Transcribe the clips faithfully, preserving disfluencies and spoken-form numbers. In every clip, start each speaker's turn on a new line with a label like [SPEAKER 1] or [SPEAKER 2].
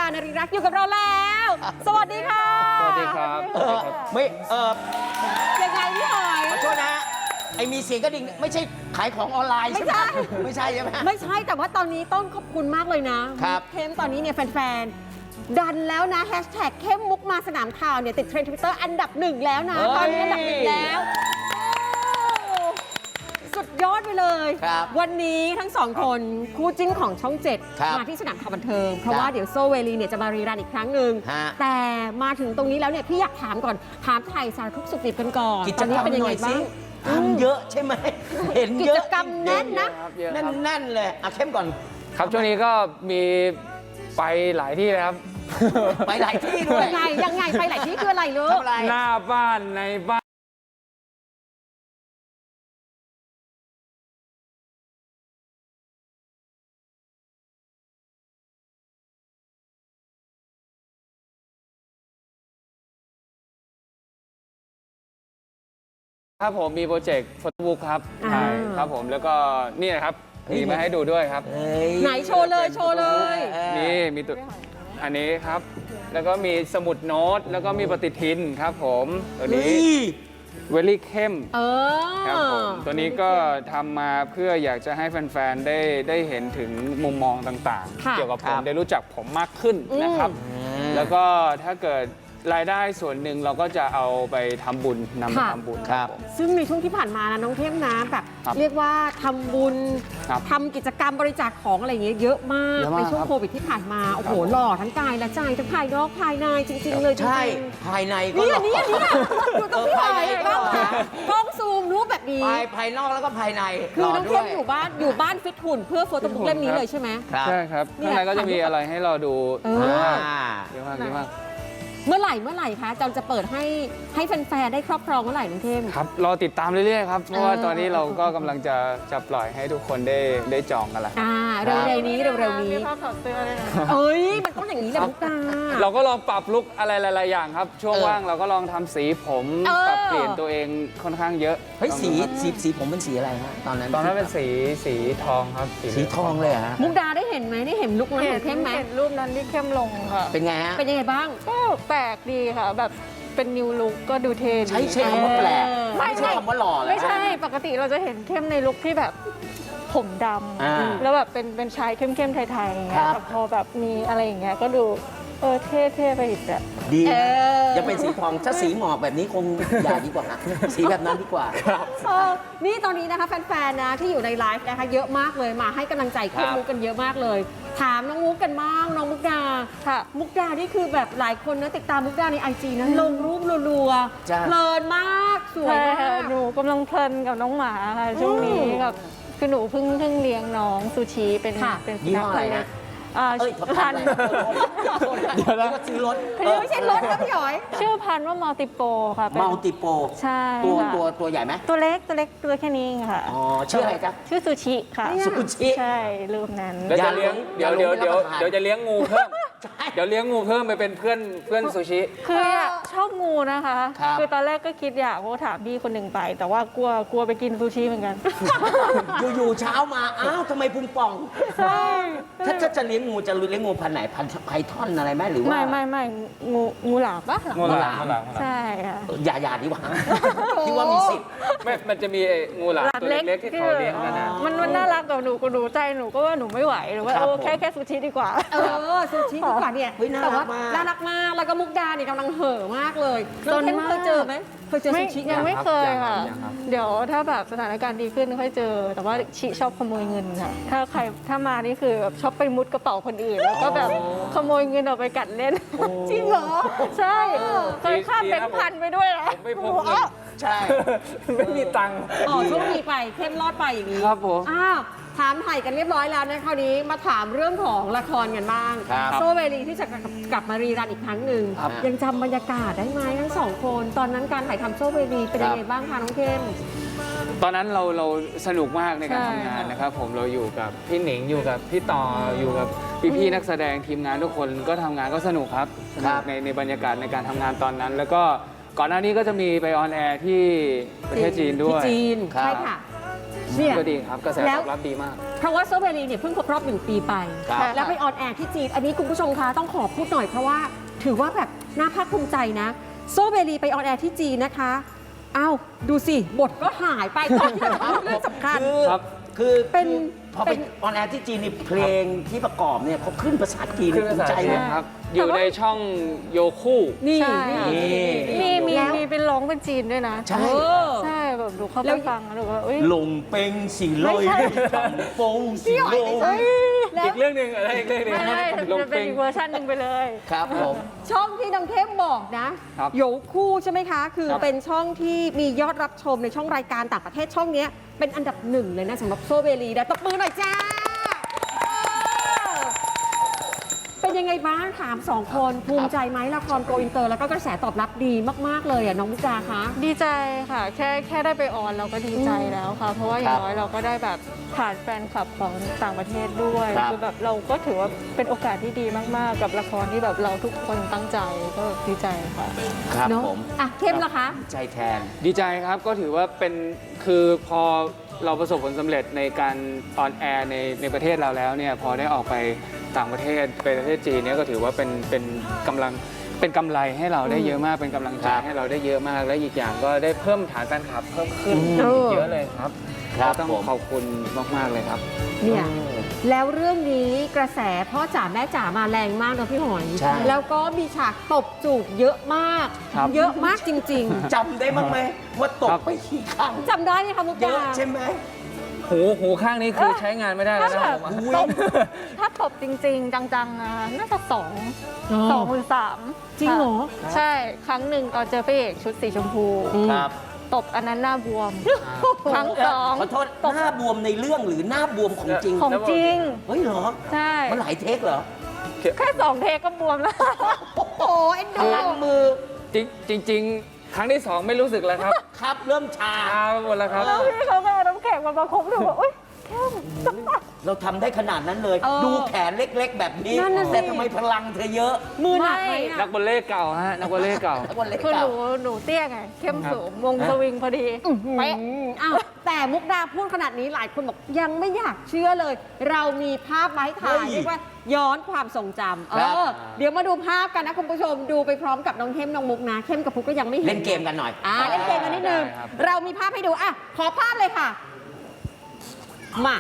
[SPEAKER 1] นริรักษ์อยู่กับเราแล้ว สวัสดีค่ะ
[SPEAKER 2] สวัสดีครับ
[SPEAKER 3] เออไม่เออ
[SPEAKER 1] ยังไงพี่หอย
[SPEAKER 3] ขอโทษนะไอมีเสียงกระดิ่งไม่ใช่ขายของออนไลน์ใช่ไหม
[SPEAKER 1] ไม่ใช่
[SPEAKER 3] ไม่ใช่ใช่ไหม
[SPEAKER 1] ไม่ใช่แต่ว่าตอนนี้ต้องขอบคุณมากเลยนะครับเข้มตอนนี้เนี่ยแฟนๆดันแล้วนะแฮชแท็กเข้มมุกมาสนามข่าวเนี่ยติดเทรนด์ทวิตเตอร์อันดับหนึ่งแล้วนะตอนนี้อันดับหนึ่งแล้วสุดยอดไปเลย วันนี้ทั้งสองคนคู่จิ้นของช่องเจ็ดมาที่สนามข่าวบันเทิงเพราะว่าเดี๋ยวโซเวลีเนี่ยจะมารีรันอีกครั้งหนึ่งแต่มาถึงตรงนี้แล้วเนี่ยพี่อยากถามก่อนถามไทยสารทุกสุขดิบกันก่อนตอนนี้เป็นยังไงบ้าง
[SPEAKER 3] ทำเยอะใช่ไหมเห็นเยอะ
[SPEAKER 1] กิจกรรมแน่นนะ
[SPEAKER 3] แน่นๆเลยอ่ะเข้มก่อน
[SPEAKER 2] ครับช่วงนี้ก็มีไปหลายที่เลยครับ
[SPEAKER 3] ไปหลายที่ด้วย
[SPEAKER 1] ยังไงยังไงไปหลายที่คืออะไรลูก
[SPEAKER 2] หน้าบ้านในบ้านครับผมมีโปรเจกต์โฟโต้บุ๊กครับใช่ครับผมแล้วก็นี่นะครับมีมาให้ดูด้วยครับ
[SPEAKER 1] ไหนโชว์เลยโชว์เลย
[SPEAKER 2] นี่มีตัวอันนี้ครับแล้วก็มีสมุดโน้ตแล้วก็มีปฏิทินครับผมตัวนี้เวลี่เข้มครับผมตัวนี้ก็ทำมาเพื่ออยากจะให้แฟนๆได้ได้เห็นถึงมุมมองต่างๆเกี่ยวกับผมได้รู้จักผมมากขึ้นนะครับแล้วก็ถ้าเกิดรายได้ส่วนหนึ่งเราก็จะเอาไปทำบุญนำไปทำบุญ
[SPEAKER 3] ครับ
[SPEAKER 1] ซึ่งในช่วงที่ผ่านมานะน้องเข้มนะแบบเรียกว่าทำบุญทำกิจกรรมบริจาคของอะไรอย่างเงี้ยเยอะมากในช่วงโควิดที่ผ่านมาโอ้โหหล่อทั้งกายและใจทั้งภายนอกภายในจริงๆเลย
[SPEAKER 3] ใช่ภายในก็
[SPEAKER 1] นี่นี่นี่อยู่ตรงพี่หอยกล้องกล้องซูมรูปแบบนี้
[SPEAKER 3] ภายนอกแล้วก็ภายใน
[SPEAKER 1] คือน้องเข้มอยู่บ้านอยู่บ้านฟิตหุ่นเพื่อโฟโต้บุ๊กเล่มนี้เลยใช่ไหม
[SPEAKER 2] ใช่ครับข้างในก็จะมีอะไรให้เราดูเยอะมากเยอะมากเยอะมาก
[SPEAKER 1] เมื่อไหร่เมื่อไหร่คะจำจะเปิดให้ให้แฟนๆได้ครอบครองเมื่อไหร่น้องเข้ม
[SPEAKER 2] ครับรอติดตามเรื่อยๆครับเพราะว่าตอนนี้เราก็กำลังจะจะปล่อยให้ทุกคนได้ได้จองกันแล้ว
[SPEAKER 1] อ่าเร็วๆนี้เร็วๆนี้
[SPEAKER 4] มีภาพถอดเสื้อเลยนะ
[SPEAKER 1] เอ้ยมันต้องอย่างนี้แหละมุกดา
[SPEAKER 2] เราก็ลองปรับลุคอะไรหลายๆอย่างครับช่วงว่างเราก็ลองทำสีผมปรับเปลี่ยนตัวเองค่อนข้างเยอะ
[SPEAKER 3] เฮ้ยสีสีสีผมเป็นสีอะไรฮะตอนนั้น
[SPEAKER 2] ตอนนั้นเป็นสีสีทองครับ
[SPEAKER 3] สีทองเลยฮะ
[SPEAKER 1] มุกดาได้เห็นไหมได้เห็นลุคนั้นของเข้มไหม
[SPEAKER 4] เห็นรูปนั้นที่เข้มลงค่ะ
[SPEAKER 3] เป็นไงฮะ
[SPEAKER 1] เป็นยังไงบ้าง
[SPEAKER 4] ก็แปลกดีค่ะแบบเป็นนิวลุคก็ดูเท่
[SPEAKER 3] ใช้ใช้คำว่าแปลกไม่ใช่คำว่าหล่อเลย
[SPEAKER 4] ไม่ใช่ปกติเราจะเห็นเข้มในลุคที่แบบผมดำแล้วแบบเป็นเป็นชายเข้มๆไทยๆอย่างเงี้ยแต่พอแบบมีอะไรอย่างเงี้ยก็ดูเออเท่ๆไปอีกแบบ
[SPEAKER 3] ดีอย่าเป็นสีทองถ้าสีหมอกแบบนี้คงอย่าดีกว่าสีแบบนั้นดีกว่า
[SPEAKER 1] นี่ตอนนี้นะคะแฟนๆนะที่อยู่ในไลฟ์นะคะเยอะมากเลยมาให้กำลังใจเข้มมุกกันเยอะมากเลยถามน้องมุกกันบ้างน้องมุกดาค่ะมุกดานี่คือแบบหลายคนนะติดตามมุกดาในไอจีนะลงรูปรัวๆเพลินมากสวยมาก
[SPEAKER 4] หนูกำลังเพลินกับน้องหมาค่ะช่วงนี้กับคือหนูเพิ่งเพิ่งเลี้ยงน้องซูชิเป็นเป็น
[SPEAKER 3] ยี่ห้ออะไรนะ
[SPEAKER 4] พัน
[SPEAKER 3] เดี๋ยวนะซื้อรถ
[SPEAKER 1] ไม่ใช่รถนะพี่หอย
[SPEAKER 4] ชื่อพันว่ามัลติโปค่ะ
[SPEAKER 3] มัลติโป
[SPEAKER 4] ใช่
[SPEAKER 3] ตัวตัวตัวใหญ่ไหม
[SPEAKER 4] ตัวเล็กตัวเล็กตัวแค่นี้ค่ะ
[SPEAKER 3] อ๋อชื่ออะไรจ๊ะ
[SPEAKER 4] ชื่อซูชิค่ะ
[SPEAKER 3] ซูชิ
[SPEAKER 4] ใช่รูปนั้น
[SPEAKER 2] เดี๋ยวจะเลี้ยงเดี๋ยวเดี๋ยวเดี๋ยวเดี๋ยวจะเลี้ยงงูเพิ่มเดี๋ยวเลี้ยงงูเพิ่มไปเป็นเพื่อนเพื่อนซูชิ
[SPEAKER 4] คือชอบงูนะคะคือตอนแรกก็คิดอยากว่าถามพี่คนหนึ่งไปแต่ว่ากลัวกลัวไปกินซูชิเหมือนกัน
[SPEAKER 3] อยู่ๆเช้ามาอ้าวทำไมพุงป่อง
[SPEAKER 4] ใช่
[SPEAKER 3] ถ้าถ้าจะเลี้ยงงูจะเลี้ยงงูพันไหนพันไพทอนอะไรไหมหรือว่า
[SPEAKER 4] ไม่ไม่ไม่งูงูหลามปะ
[SPEAKER 2] งูหลาม
[SPEAKER 4] ใช่ค่ะ
[SPEAKER 3] อย่าอย่าดีกว่าที่ว่ามีสิทธิ์
[SPEAKER 2] ไม่มันจะมีงูหลามตัวเล็กๆที่เขาเลี้ยงกันนะ
[SPEAKER 4] มันมันน่ารักกับหนูก็ดูใจหนูก็ว่าหนูไม่ไหวหรือว่าเออแค่แค่ซูชิดีกว่า
[SPEAKER 1] เออซูชิดีกว่าเนี่ยแต่ว่าน่ารักมากแล้วก็มุกดาเนี่ยกำลังเห่อมากเลยน้องเข้มเคยเจอไหมเคยเจอซูชิ
[SPEAKER 4] ยังไม่เคยค่ะเดี๋ยวถ้าแบบสถานการณ์ดีขึ้นค่อยเจอแต่ว่าชิชอบขโมยเงินค่ะถ้าใครถ้ามานี่คือแบบชอบไปมุดกระเป๋าคนอื่นแล้วก็แบบขโมยเงินออกไปกัดเล่น
[SPEAKER 1] จริงเหรอ
[SPEAKER 4] ใช่เคยข้ามแบงค์พันไปด้วยนะ
[SPEAKER 2] ไม่พกเงิน
[SPEAKER 3] ใช่
[SPEAKER 2] ไม่มีตังค์
[SPEAKER 1] อ๋อโชคดีไปเข้มรอดไปอย่างนี้
[SPEAKER 2] ครับผม
[SPEAKER 1] อ้าวถามไถ่กันเรียบร้อยแล้วนะคราวนี้มาถามเรื่องของละครกันบ้างโซเวลีที่จะกลับมารีรันอีกครั้งหนึ่งยังจำบรรยากาศได้ไหมทั้งสองคนตอนนั้นการถ่ายทำโซเวลีเป็นยังไงบ้างคะน้องเข้ม
[SPEAKER 2] ตอนนั้นเราเราสนุกมากในการทำงานนะครับผมเราอยู่กับพี่หนิงอยู่กับพี่ต่ออยู่กับพี่ๆนักแสดงทีมงานทุกคนก็ทำงานก็สนุกครับในในบรรยากาศในการทำงานตอนนั้นแล้วก็ก่อนหน้านี้ก็จะมีไปออนแอร์ที่ประเทศจีนด้วย
[SPEAKER 1] จีนใช่ค่ะเนี่ย
[SPEAKER 2] ก็ดีครับกระแส
[SPEAKER 1] แล้
[SPEAKER 2] ต
[SPEAKER 1] ว
[SPEAKER 2] อบรับดีมาก
[SPEAKER 1] เพราะว่าโซเบรีเนี่ยเพิ่งครบรอบหนึ่งปีไป
[SPEAKER 3] ครับ
[SPEAKER 1] แล้วไปออนแอร์ที่จีน อันนี้คุณผู้ชมคะต้องขอพูดหน่อยเพราะว่าถือว่าแบบน่าภาคภูมิใจนะโซเบรีไปออนแอร์ที่จีนนะคะอ้าวดูสิบทก็หายไปตอนที่เราพูดเรื่องสำคัญ
[SPEAKER 3] คือ
[SPEAKER 2] ครับ
[SPEAKER 3] คือ
[SPEAKER 1] เป็น
[SPEAKER 3] พอ
[SPEAKER 1] เป็
[SPEAKER 3] เป็น นออนแอร์ที่จีนนี่เพลงที่ประกอบเนี่ยเขาขึ้นภาษาจีน
[SPEAKER 2] ขึ้นภาษา
[SPEAKER 3] ใจ
[SPEAKER 2] จี
[SPEAKER 3] เล
[SPEAKER 2] น
[SPEAKER 3] ย
[SPEAKER 2] ครับ อยู่ในช่องโยคู่
[SPEAKER 1] นี่
[SPEAKER 4] ใช่
[SPEAKER 1] นี่
[SPEAKER 4] มีมี
[SPEAKER 1] แล้ว
[SPEAKER 4] มีเป็นร้องเป็นจีนด้วยนะ
[SPEAKER 3] ใช่
[SPEAKER 1] เออ
[SPEAKER 4] ใช่แบบดูเข้า
[SPEAKER 1] แล้
[SPEAKER 4] ไป
[SPEAKER 1] ว
[SPEAKER 4] ฟังแล้วดูว่าเอ้ย
[SPEAKER 3] ลงเป็งสีลอย
[SPEAKER 4] ไม่ใช่
[SPEAKER 3] ปงสีลอย
[SPEAKER 1] แล้ว
[SPEAKER 2] อีกเรื่องหนึ่งอะไรอีกเรื่องหนึ่ง
[SPEAKER 4] ไม่ไม่
[SPEAKER 2] ลง
[SPEAKER 4] จะเป็น
[SPEAKER 2] เป็ง
[SPEAKER 4] อีกเวอร์ชันหนึ่งไปเลย
[SPEAKER 3] ครับผม
[SPEAKER 1] ช่องที่น้องเทพบอกนะครับ โยคู่ใช่ไหมคะ คือ
[SPEAKER 2] ครับ
[SPEAKER 1] เป็นช่องที่มียอดรับชมในช่องรายการต่างประเทศช่องเนี้ยเป็นอันดับหนึ่งเลยนะสำหรับโซเบรีนะตบมือหน่อยจ้าเออเป็นยังไงบ้างถามสองคนภูมิใจไหมละครโกอินเตอร์แล้วก็กระแสตอบรับดีมากๆเลยอ่ะน้องมุกดาคะ
[SPEAKER 4] ดีใจค่ะ แค่แค่ได้ไปออนเราก็ดีใจแล้วค่ะ เพราะว่าอย่างน้อยเราก็ได้แบบผ่านแฟนคลับของต่างประเทศด้วย
[SPEAKER 3] ครับ
[SPEAKER 4] คือแบบเราก็ถือว่าเป็นโอกาสที่ดีมากๆ กับละครที่แบบเราทุกคนตั้งใจก็ดีใจค่ะ
[SPEAKER 3] ครับ
[SPEAKER 1] เนอะ
[SPEAKER 3] ผม
[SPEAKER 1] อ่ะเข้มล่ะคะ
[SPEAKER 3] ใจแทน
[SPEAKER 2] ดีใจครับก็ถือว่าเป็นคือพอเราประสบผลสำเร็จในการออนแอร์ในในประเทศเราแล้วเนี่ยพอได้ออกไปต่างประเทศไปประเทศจีนเนี่ยก็ถือว่าเป็นเป็นกำลังเป็นกำไรให้เราได้เยอะมากเป็นกำลังใจ
[SPEAKER 3] ครับ
[SPEAKER 2] ให้เราได้เยอะมาก และอีกอย่างก็ได้เพิ่มฐานแฟนคลับเพิ่มขึ้น
[SPEAKER 1] เออ
[SPEAKER 2] เยอะเลยครับ
[SPEAKER 3] ครับ
[SPEAKER 2] ก็ต้อง
[SPEAKER 3] ผม
[SPEAKER 2] ขอบคุณมากๆเลยครับ
[SPEAKER 1] เนี่ยแล้วเรื่องนี้กระแสพ่อจ๋าแม่จ๋ามาแรงมากนะพี่หอย
[SPEAKER 3] ใช่
[SPEAKER 1] แล้วก็มีฉากตบจูบเยอะมาก
[SPEAKER 2] ครับ
[SPEAKER 1] เยอะมากจริง
[SPEAKER 3] จำได้บ้างไหมว่าต
[SPEAKER 2] ครั
[SPEAKER 3] ก
[SPEAKER 2] บ
[SPEAKER 3] ไปกี่ครั้ง
[SPEAKER 1] ๆจำได้ไหมคะมุก
[SPEAKER 3] เย
[SPEAKER 1] ดา
[SPEAKER 3] อะใช่ไหม
[SPEAKER 2] หูหูข้างนี้คือใช้งานไม่ได้แล้วนะ
[SPEAKER 4] ถ้า
[SPEAKER 2] ผม
[SPEAKER 4] แบบตบถ้าตบจริง ๆ จังๆนะคะน่าจะสองสองหรือสาม
[SPEAKER 1] จริงเหรอ
[SPEAKER 4] ค่ะใช่ครั้งหนึ่งตอนเจอพระเอกชุดสีชมพู
[SPEAKER 3] ครับ
[SPEAKER 4] ตบอันนั้นหน้าบวม ครั้งสอง
[SPEAKER 3] ขอโทษหน้าบวมในเรื่องหรือหน้าบวมของจริง
[SPEAKER 4] ของจริง
[SPEAKER 3] เฮ้ยเหรอ
[SPEAKER 4] ใช่
[SPEAKER 3] มันหลายเทคเหรอ
[SPEAKER 4] แค่สองเทกก็บวมแล้ว
[SPEAKER 1] โอ้โหเอ็น
[SPEAKER 3] พ
[SPEAKER 1] ดู
[SPEAKER 3] ลังมือ
[SPEAKER 2] จริงจริง ๆ ครั้งที่สองไม่รู้สึกแล้วครับ
[SPEAKER 3] ครับเริ่มชา
[SPEAKER 2] ชาไปหมดแล้วครับ
[SPEAKER 4] แล้วพี่เขาก็เอาน้ำแข็งมาประคบดูว่าอุ้ยแค่
[SPEAKER 3] เราทำได้ขนาดนั้นเลย ดูแขนเล็กๆ แบบนี้
[SPEAKER 1] นั่นน่ะสิ
[SPEAKER 3] แต่ทำไมพลังเธอเยอะ
[SPEAKER 1] มือหนักไหม
[SPEAKER 4] ไม่
[SPEAKER 1] อะ
[SPEAKER 2] นักบอลเล่เก่าฮะนักบอลเล่เก่า
[SPEAKER 3] วันเล็ก
[SPEAKER 4] คือห
[SPEAKER 3] เก่า
[SPEAKER 4] นูหนูเตี้ยไง เข้มสูงวงสวิงพอดีเป๊ะ
[SPEAKER 1] อ้าวแต่มุกดาพูดขนาดนี้หลายคนบอกยังไม่อยากเชื่อเลย เรามีภาพมาให้ถ่าย
[SPEAKER 3] เฮ้ย
[SPEAKER 1] เรียกว่าย้อนความทรงจำเอ
[SPEAKER 3] ครับ
[SPEAKER 1] อเดี๋ยวมาดูภาพกันนะคุณผู้ชมดูไปพร้อมกับน้องเข้มน้องมุกนะเข้มกับพุกก็ยังไม่เห็น
[SPEAKER 3] เล่นเกมกันหน่อย
[SPEAKER 1] อ่าเล่นเกมกันนิดนึง
[SPEAKER 2] ได้ครับ
[SPEAKER 1] เรามีภาพให้ดูอ่ะขอภาพเลยค่ะ มา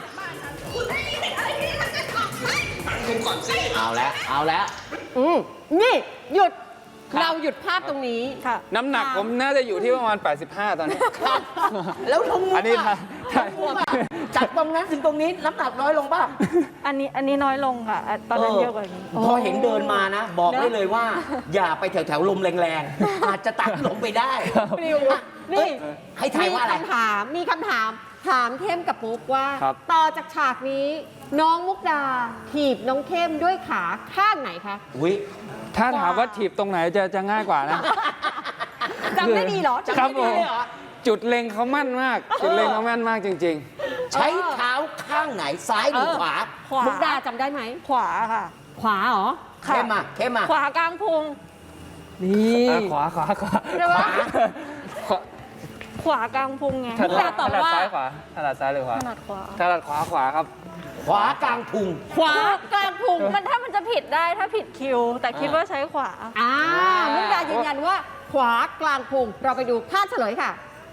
[SPEAKER 3] เอาแล้ว เอาแล้ว
[SPEAKER 1] อืมนี่หยุด
[SPEAKER 3] ครับ
[SPEAKER 1] เราหยุดภาพตรงนี้
[SPEAKER 4] ค่ะ
[SPEAKER 2] น้ำหนักผมน่าจะอยู่ที่ประมาณ แปดสิบห้า ตอนนี้
[SPEAKER 3] แล้วลงมุก
[SPEAKER 2] อันนี้
[SPEAKER 3] อะ
[SPEAKER 2] ถ่าย
[SPEAKER 3] ลงมุกอะจากตรงนั้นถึงตรงนี้น้ำหนักน้อยลงป่ะ
[SPEAKER 4] อันนี้อันนี้น้อยลงค่ะอ่ะตอนนั้นเยอะกว่านี้
[SPEAKER 3] พอเห็นเดินมานะ บอก
[SPEAKER 1] นะ
[SPEAKER 3] ได้เลยว่า อย่าไปแถวแถวๆลมแรงๆ อาจจะตัดลงไปได้
[SPEAKER 1] ปลิวนี่
[SPEAKER 3] ให้ทายว่าอะไร
[SPEAKER 1] มีคำถาม มีคำถาม ถามเข้มกับมุกว่า
[SPEAKER 2] ครับ
[SPEAKER 1] ต่อจากฉากนี้ น้องมุกดาถีบน้องเข้มด้วยขาข้างไหนคะ
[SPEAKER 3] อุ้ย
[SPEAKER 2] ถ้าถามว่าถีบตรงไหนจะจะง่ายกว่านะ
[SPEAKER 1] จำได้ดีเหรอ
[SPEAKER 2] ครับ
[SPEAKER 1] จำได้
[SPEAKER 2] ผ
[SPEAKER 1] ดี
[SPEAKER 2] ม
[SPEAKER 1] เลยเหรอ
[SPEAKER 2] จุดเล็งเขามั่นมาก จุดเล็งเขาแม่นมากจริง
[SPEAKER 3] ใช้เท้าข้างไหนซ้ายหรือ
[SPEAKER 1] เออ
[SPEAKER 3] ขวา
[SPEAKER 4] ขวา
[SPEAKER 1] มุกดาจำได้ไหม
[SPEAKER 4] ขวาค่ะ
[SPEAKER 1] ขวาเหรอ
[SPEAKER 4] ค่ะ
[SPEAKER 3] เข้มมาเข้มมา
[SPEAKER 4] ขวากลางพุง
[SPEAKER 1] นี่
[SPEAKER 2] ๆเออขวาขวาขวา
[SPEAKER 4] ใช่ปะ
[SPEAKER 2] ขวา
[SPEAKER 4] ขวากลางพุงไง
[SPEAKER 2] ถ
[SPEAKER 1] มุก
[SPEAKER 2] นั
[SPEAKER 1] ดา
[SPEAKER 2] ด
[SPEAKER 1] ตอบ
[SPEAKER 2] ถนัด
[SPEAKER 1] ว่า
[SPEAKER 2] ซ้ายขวาถนัดซ้ายหรือขวา
[SPEAKER 4] ถนัดขวา
[SPEAKER 2] ถนัดขวาขวาครับ
[SPEAKER 3] ขวากลางพุง
[SPEAKER 1] ขวากลางพุง
[SPEAKER 4] มันถ้ามันจะผิดได้ถ้าผิดคิว แต่คิดว่าใช้ขวา
[SPEAKER 1] อ่ามุกดายืนยันว่า ขวากลางพุง เราไปดูภาพเฉลยค่ะ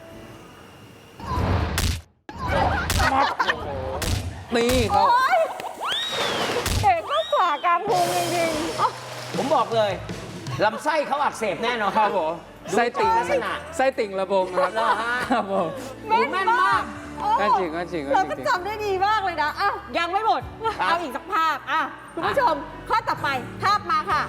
[SPEAKER 2] นี่เขา
[SPEAKER 4] เอกก็ขวากลางพุงจริง
[SPEAKER 3] ผมบอกเลยลำไส้เขาอักเสบแน่นอน
[SPEAKER 2] ครับผมไส้ติ่ง
[SPEAKER 3] ลักษณะ
[SPEAKER 2] ไส้ติ่งระบมครับ
[SPEAKER 3] เหรอฮะ
[SPEAKER 2] ครับผม
[SPEAKER 1] แม่นมากโอ้
[SPEAKER 2] ก็จริงก็จริงก็
[SPEAKER 1] เรา
[SPEAKER 2] จ
[SPEAKER 1] ก็
[SPEAKER 2] ริง
[SPEAKER 1] จำได้ดีมากเลยนะอ่ะยังไม่หมด เอาอีกสักภาพอ่ะคุณผู้ชม ข้อต่อไป ภาพมาค่ะ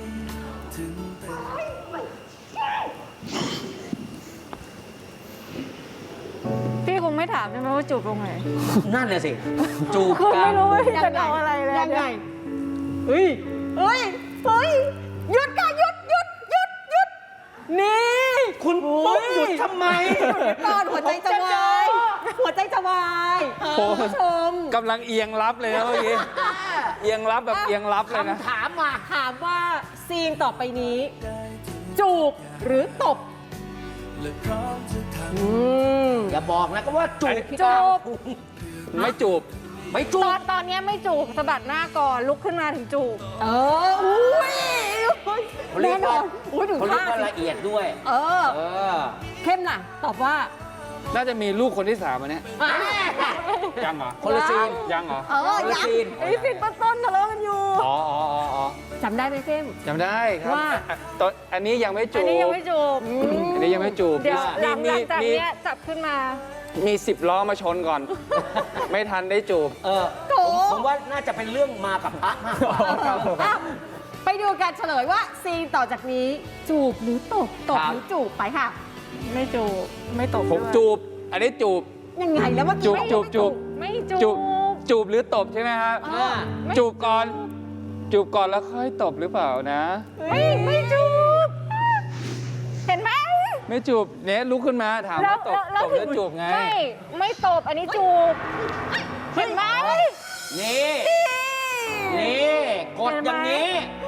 [SPEAKER 4] ๆ พี่คงไม่ถามใช่ไหมว่าจูบตรงไหน
[SPEAKER 3] นั่นน่ะสิ จูบ
[SPEAKER 4] คือก
[SPEAKER 3] ลา
[SPEAKER 4] ไม่
[SPEAKER 3] ง
[SPEAKER 4] รู้ว่า
[SPEAKER 3] พุง
[SPEAKER 4] จะเดาอะไรเลย
[SPEAKER 1] ยังไง
[SPEAKER 4] เนี่ย
[SPEAKER 1] เฮ้ยเฮ้ยเฮ้ยหยุดค่ะหยุดหยุดหยุดหยุดนี่
[SPEAKER 3] คุณปุ๊บหยุดทำไม
[SPEAKER 1] ก่อนหัวใจจะวายหัวใจจะวายคุณผู้ชม
[SPEAKER 2] กำลังเอียงรับเลยนะเมื่อกี้ เอียงรับแบบเอียงรับเลยนะ
[SPEAKER 3] คำถามมา
[SPEAKER 1] ถามว่าซีนต่อไปนี้ จูบหรือตบอืม
[SPEAKER 3] อย่าบอกนะก็ว่าจูบพี่
[SPEAKER 4] จู
[SPEAKER 3] กาว
[SPEAKER 4] บ
[SPEAKER 2] ไม่จูบ
[SPEAKER 3] ไม่จู
[SPEAKER 4] ตอบ นตอนเนี้ยไม่จูบสะบัดหน้าก่อนลุกขึ้นมาถึงจูบ
[SPEAKER 1] เออ อุ้ย
[SPEAKER 3] เขาเรี
[SPEAKER 1] แน่
[SPEAKER 3] ยก
[SPEAKER 1] นอ
[SPEAKER 3] ว่าน
[SPEAKER 1] อุ้ยถึง
[SPEAKER 3] เขาเรีย
[SPEAKER 1] ท่าก
[SPEAKER 3] ว่าละเอียดด้วย
[SPEAKER 1] เออ
[SPEAKER 3] เออ
[SPEAKER 1] เข้มล่ะ ตอบว่า
[SPEAKER 2] น่าจะมีลูกคนที่สามอันเนี้ย
[SPEAKER 1] อ่ะ
[SPEAKER 2] ยังเหรอ
[SPEAKER 3] คนละซีน
[SPEAKER 2] ยังเหรอ
[SPEAKER 1] เออ
[SPEAKER 3] คนละ
[SPEAKER 1] ยัง
[SPEAKER 3] ซีน
[SPEAKER 4] ไอ้สินต้นๆทะเลาะกันอยู่
[SPEAKER 2] อ๋ออ๋ออ๋ออ๋อ
[SPEAKER 1] จำได้ไหมเข้ม
[SPEAKER 2] จำได้ครับ
[SPEAKER 1] ว่า
[SPEAKER 2] อ่ะตอนอันนี้ยังไม่จู
[SPEAKER 4] อัน
[SPEAKER 2] บ
[SPEAKER 4] นี้ยังไม่จูบ
[SPEAKER 2] อันนี้ยังไม่จูบ
[SPEAKER 4] เดี๋ยวหลัง
[SPEAKER 2] มี
[SPEAKER 4] หลังจาก
[SPEAKER 2] มี
[SPEAKER 4] เนี้ยจับขึ้นมา
[SPEAKER 2] มีสิบล้อมาชนก่อน ไม่ทันได้จูบ
[SPEAKER 3] เออ
[SPEAKER 1] โถ
[SPEAKER 3] ผมผมว่าน่าจะเป็นเรื่องมากับพระมากกว่า
[SPEAKER 2] ครับผม
[SPEAKER 1] อ่ะไปดูกันเฉลยว่าซีนต่อจากนี้จูบหรือตบตบ
[SPEAKER 3] ครับ
[SPEAKER 1] หรือจูบไปค่ะ
[SPEAKER 4] ไม่จูบไม่ตบ
[SPEAKER 2] ผม
[SPEAKER 4] ด้วย
[SPEAKER 2] จูบ อันนี้จูบ
[SPEAKER 1] ยังไงแล้วเมื่อ
[SPEAKER 2] จู
[SPEAKER 1] กี้
[SPEAKER 2] บจูบจูบ
[SPEAKER 4] ไม่
[SPEAKER 2] จู
[SPEAKER 4] จู
[SPEAKER 2] บบ จูบหรือตบใช่ไหมครับ
[SPEAKER 3] อ่า
[SPEAKER 4] ไม่
[SPEAKER 2] จูบก่อน จูบก่อนแล้วค่อยตบหรือเปล่านะ
[SPEAKER 4] ไม่ไม่จูบ เห็นไหม
[SPEAKER 2] ไม่จูบเนี่ยลุกขึ้นมาถามว่าตบตบหรือจูบไง
[SPEAKER 4] ไม่ไม่ตบอันนี้จูบ เห็นไหม
[SPEAKER 3] นี่ นี่กดอย่างนี้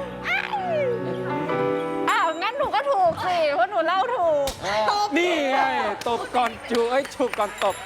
[SPEAKER 4] อ้าวงั้นหนูก็ถูกสิเพราะหนูเล่าถูก
[SPEAKER 3] เออ
[SPEAKER 2] นี่ไงตบก่อนจูบเอ้ยจูบก่อนตบ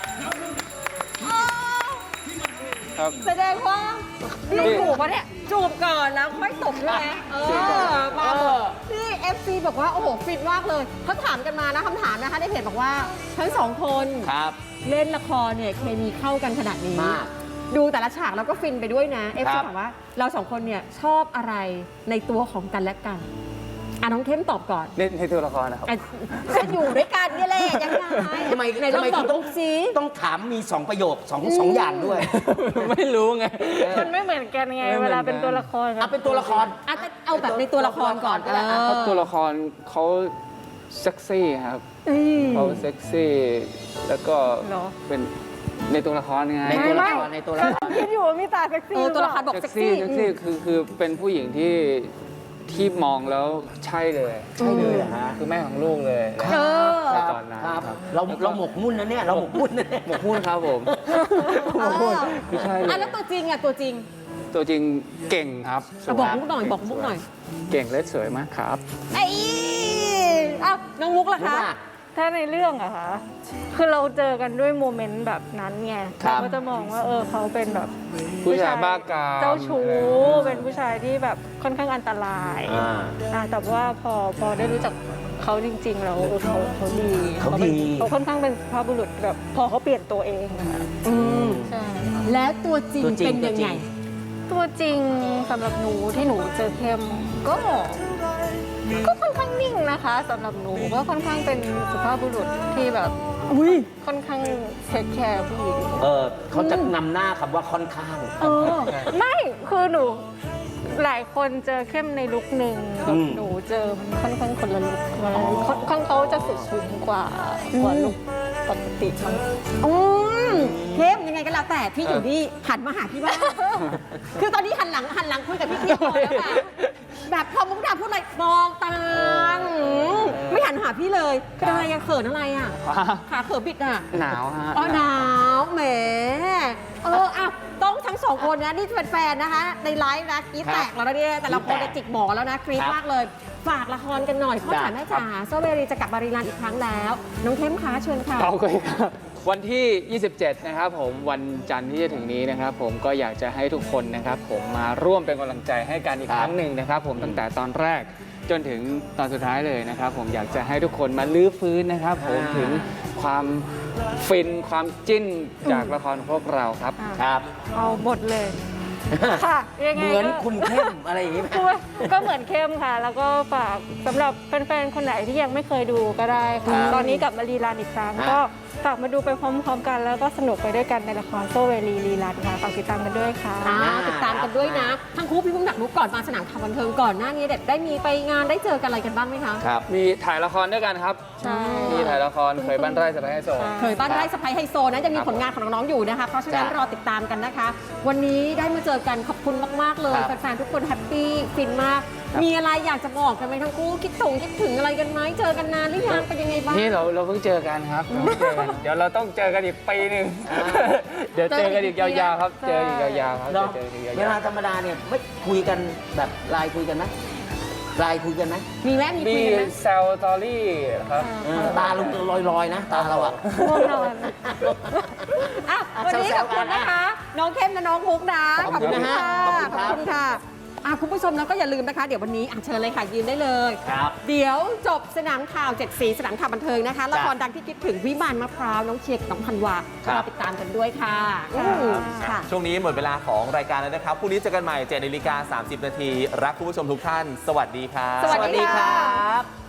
[SPEAKER 2] ครับ
[SPEAKER 1] แสดงว่า
[SPEAKER 2] นี่
[SPEAKER 1] นี่ถูกปะเนี่ย จูบก่อนแล้วค่อยตบใช่ไหมเอ
[SPEAKER 2] จูบก่อน
[SPEAKER 1] อ มา
[SPEAKER 3] เออ
[SPEAKER 1] นี่ เอฟ ซี บอกว่า โอ้โห ฟินมากเลยเขาถามกันมานะคำถามนะคะในเพจบอกว่าทั้งสองคน
[SPEAKER 3] ครับ
[SPEAKER 1] เล่นละครเนี่ยเคมีเข้ากันขนาดนี้
[SPEAKER 3] มาก
[SPEAKER 1] ดูแต่ละฉากแล้วก็ฟินไปด้วยนะ เอฟ
[SPEAKER 3] ค
[SPEAKER 1] ซี
[SPEAKER 3] รับ
[SPEAKER 1] ถามว่าเราสองคนเนี่ยชอบอะไรในตัวของกันและกันอ่ะน้องเข้มตอบก่อน
[SPEAKER 2] ในในตัวละครนะครับ
[SPEAKER 1] อ่ะจะอยู่ด้วยกันเนี่ยแหละยังไง
[SPEAKER 3] ทำไม
[SPEAKER 1] ไหนลอง
[SPEAKER 3] ทำไม
[SPEAKER 1] ตอบ
[SPEAKER 3] คุณต้
[SPEAKER 1] ต้
[SPEAKER 3] อ
[SPEAKER 1] อง งซี
[SPEAKER 3] ต้องถามมีสองประโยคสองสองอย่างด้วย
[SPEAKER 2] ไม่รู้ไง
[SPEAKER 4] มันไม่เหมือนกันไง
[SPEAKER 2] ไม่เหมื
[SPEAKER 4] เว
[SPEAKER 2] อนกัน
[SPEAKER 4] ลาเป็นตัวละคร
[SPEAKER 3] เอาเป็นตัวละคร
[SPEAKER 1] อ่ะแต่เอาแบบในตัวละครก่อน
[SPEAKER 3] ตัวละครก็ได้
[SPEAKER 1] เอ
[SPEAKER 2] เพราะ
[SPEAKER 1] อ
[SPEAKER 2] ตัวละครเขาเซ็กซี่ครับ
[SPEAKER 1] อืม
[SPEAKER 2] เขาเซ็กซี่แล้วก็
[SPEAKER 4] เหรอ
[SPEAKER 2] เป็นในตัวละครไง
[SPEAKER 3] ในตัวละครในตัวละคร
[SPEAKER 4] คิดอยู่ว่ามีตาเซ็กซี่
[SPEAKER 1] เออตัวละคร
[SPEAKER 4] ห
[SPEAKER 1] บอก
[SPEAKER 2] เซ็ก
[SPEAKER 1] เซ็ก
[SPEAKER 2] ซี่
[SPEAKER 1] ซี่
[SPEAKER 2] เซ็กซี่คือคือเป็นผู้หญิงที่ที่มองแล้วใช่เลย
[SPEAKER 3] ใช่เลยเหรอฮะ
[SPEAKER 2] คือแม่ของลูกเลย
[SPEAKER 1] เออ
[SPEAKER 2] ในตอนนั้น
[SPEAKER 3] ครับ
[SPEAKER 2] ครับ
[SPEAKER 3] เราเราหมกมุ่นนะเนี่ยเราหมกมุ่นนะเนี่ย
[SPEAKER 2] หมกมุ่นครับผม
[SPEAKER 1] เออ
[SPEAKER 2] ไม่ใช่เล
[SPEAKER 1] อ่ะ
[SPEAKER 2] ย
[SPEAKER 1] แล้วตัวจริงอ่ะตัวจริง
[SPEAKER 2] ตัวจริงเก่งครับสวย
[SPEAKER 1] บอกมุกหน่อยบอกมุกหน่อย
[SPEAKER 2] เก่งและสวยมากครับ
[SPEAKER 1] ไอ้อ้าวน้องมุกล่ะ
[SPEAKER 3] รู้
[SPEAKER 1] คะ
[SPEAKER 3] ป่ะ
[SPEAKER 4] ถ้าในเรื่องอะคะคือเราเจอกันด้วยโมเมนต์แบบนั้นไง
[SPEAKER 3] ครั
[SPEAKER 4] เรา
[SPEAKER 3] บ
[SPEAKER 4] ก็จะมองว่าเออเขาเป็นแบบ
[SPEAKER 2] ผู้ชายบ้ากาม
[SPEAKER 4] เจ้าชู้เป็นผู้ชายที่แบบค่อนข้างอันตราย
[SPEAKER 3] อ่า
[SPEAKER 4] อ่ะแต่ว่าพอพอได้รู้จักเขาจริงๆแล้วเออเขาเขาดี
[SPEAKER 3] เขาดี
[SPEAKER 4] ป็นเขาค่อนข้างเป็นสุภาพบุรุษแบบพอเขาเปลี่ยนตัวเองอะค่ะ
[SPEAKER 1] อืม
[SPEAKER 4] ใช่
[SPEAKER 1] แล้วตัวจริง
[SPEAKER 3] ตัวจริง
[SPEAKER 1] เป็นยังไง
[SPEAKER 4] ตัวจริงสำหรับหนูที่หนูเจอเข้มก็ก็ค่อนข้างนิ่งนะคะสำหรับหนูก็ค่อนข้างเป็นสุภาพบุรุษที่แบบ
[SPEAKER 1] อุ้ย
[SPEAKER 4] ค่อนข้างเทคแคร์ผู้หญิง
[SPEAKER 3] เออเขาจะนำหน้าคำว่าค่อนข้าง
[SPEAKER 1] เออ
[SPEAKER 4] ไม่คือหนูหลายคนเจอเข้มในลุคหนึ่ง
[SPEAKER 3] อืม
[SPEAKER 4] หนูเจอมันค่อนข้างคนละลุคคนละลุคค่อนข้างเขาจะสุขุมกว่ากว่าลุคปกติมั้ง
[SPEAKER 1] อืมเข้มยังไงก็แล้วแต่พี่อยู่นี่หันมาหาพี่บ้าง คือตอนนี้หันหลังหันหลังคุยกับพี่เทียบเลยแล้วค่ะแบบพอมุกดาพูดอะไรมองตามไม่หันหาพี่เลยเป็นอะไรอะเขินอะไรอะขาเขินบิดอะ
[SPEAKER 2] หนาวฮะ
[SPEAKER 1] อ๋อหนาวแหมเอออ่ะต้องทั้งสองคนนะนี่เป็นแฟนนะคะ ในไลฟ์นะกรีดแตกแล้วนะเนี่ยแต่ละคนจะจิกหมอแล้วนะกรีด
[SPEAKER 3] ครับ
[SPEAKER 1] มากเลย ฝากละครกันหน่อยพ่อจ๋าแม่จ๋าโซเวรีจะกลับมารีรันอีกครั้งแล้ว น้องเข้มคะเชิญค่ะ
[SPEAKER 2] โอเคครับวันที่ ยี่สิบเจ็ด นะครับผมวันจันทร์ที่จะถึงนี้นะครับผมก็อยากจะให้ทุกคนนะครับผมมาร่วมเป็นกำลังใจให้กันอีก
[SPEAKER 3] ครับ
[SPEAKER 2] ครั้งหนึ่งนะครับผมตั้งแต่ตอนแรกจนถึงตอนสุดท้ายเลยนะครับผมอยากจะให้ทุกคนมาลื้อฟื้นนะครับผมถึงความฟินความจิ้นจากละครของพวกเราครับ
[SPEAKER 3] ครับ
[SPEAKER 4] เอาหมดเลยค่ะยังไง
[SPEAKER 3] เหมือน
[SPEAKER 4] ก็
[SPEAKER 3] คุณเข้มอะไรอย่างนี้ไหม
[SPEAKER 4] คือก็เหมือนเข้มค่ะ แล้วก็ฝากสำหรับแฟนๆ คนไหนที่ยังไม่เคยดูก็ได้
[SPEAKER 3] ครั
[SPEAKER 4] ค่ะ
[SPEAKER 3] บ
[SPEAKER 4] ตอนนี้กลับมารีรันอีกครั้ง
[SPEAKER 3] ฮะ
[SPEAKER 4] ก็ฝากมาดูไปพร้อมๆ กัน แล้วก็สนุกไปด้วยกันในละครโซเวลีรีรันค่ะฝากติดตามกันด้วยค่ะ
[SPEAKER 1] อ่าติดตามกันด้วยนะ ทั้งคู่พี่พุ่มดักนุกก่อนมาสนามข่าวบันเทิงก่อนหน้านี้เด็ดได้มีไปงานได้เจอกันอะไรกันบ้างไหมคะ
[SPEAKER 3] ครับ
[SPEAKER 2] มีถ่ายละครด้วยกันครับ
[SPEAKER 4] ใช่
[SPEAKER 2] มีถ่ายละครเคยบ้านไร่สบายให้โซ
[SPEAKER 1] เคยบ้านไร่สะพายไฮโซนะจะมี
[SPEAKER 2] ครับ
[SPEAKER 1] ผลงานของน้องๆอยู่นะคะ เพราะฉะนั้น
[SPEAKER 3] จ้ะ
[SPEAKER 1] รอติดตามกันนะคะ วันนี้ได้มาเจอกันขอบคุณมากๆเลย
[SPEAKER 3] ครับ
[SPEAKER 1] แฟนๆทุกคนแฮปปี้ฟินมาก มีอะไรอยากจะบอกกันไหมทั้งคู่คิดถึงคิดถึงอะไรกันไหมเจอกันนานหรือยังเป็นยังไงบ้าง
[SPEAKER 2] นี่เราเราเพิ่งเจอกันครับเราเพิ่งเจอกันเดี๋ยวเราต้องเจอกันอีกปีหนึ่งเดี๋ยวเจอกันอีกยาวๆครับ เจออีกยาวๆครับ
[SPEAKER 3] เนาะ
[SPEAKER 2] เจออีกยาว
[SPEAKER 3] เวลาธรรมดาเนี่ยไม่คุยกันแบบไลน์คุยกันไหม
[SPEAKER 2] ๆ
[SPEAKER 3] ไลน์คุยกันไหม
[SPEAKER 1] มีไหมมี
[SPEAKER 2] มี
[SPEAKER 1] คุยกันไหม
[SPEAKER 2] แซลตอรี่ครับ
[SPEAKER 3] เออตาลุงลอยๆนะ ตาเราอะ
[SPEAKER 4] ง่วงนอน
[SPEAKER 1] อ่ะวันนี้ขอบคุณนะคะ น้องเข้มและน้องมุกนะ
[SPEAKER 3] ขอบคุณนะฮะ
[SPEAKER 1] ขอบ
[SPEAKER 3] ขอบคุณครับ
[SPEAKER 1] คุณค่ะอ่ะคุณผู้ชมแล้วก็อย่าลืมนะคะ เดี๋ยววันนี้อ่ะเชิญเลยค่ะยืนได้เลย
[SPEAKER 3] ครับ
[SPEAKER 1] เดี๋ยวจบสนามข่าวเจ็ดสีสนามข่าวบันเทิงนะคะ
[SPEAKER 3] จ้ะ
[SPEAKER 1] ละครดังที่คิดถึงวิมานมะพร้าวน้องเชียร์กับน้องพันวา
[SPEAKER 5] ครับ
[SPEAKER 1] รอติดตามกันด้วยค่ะอืมค่ะ
[SPEAKER 5] ช่วงนี้หมดเวลาของรายการแล้วนะครับพรุ่งนี้เจอกันใหม่เจ็ดนาฬิกาสามสิบนาทีรักคุณผู้ชมทุกท่าน สวัสดีครับ
[SPEAKER 1] สวัสดีค่ะ
[SPEAKER 3] ครับ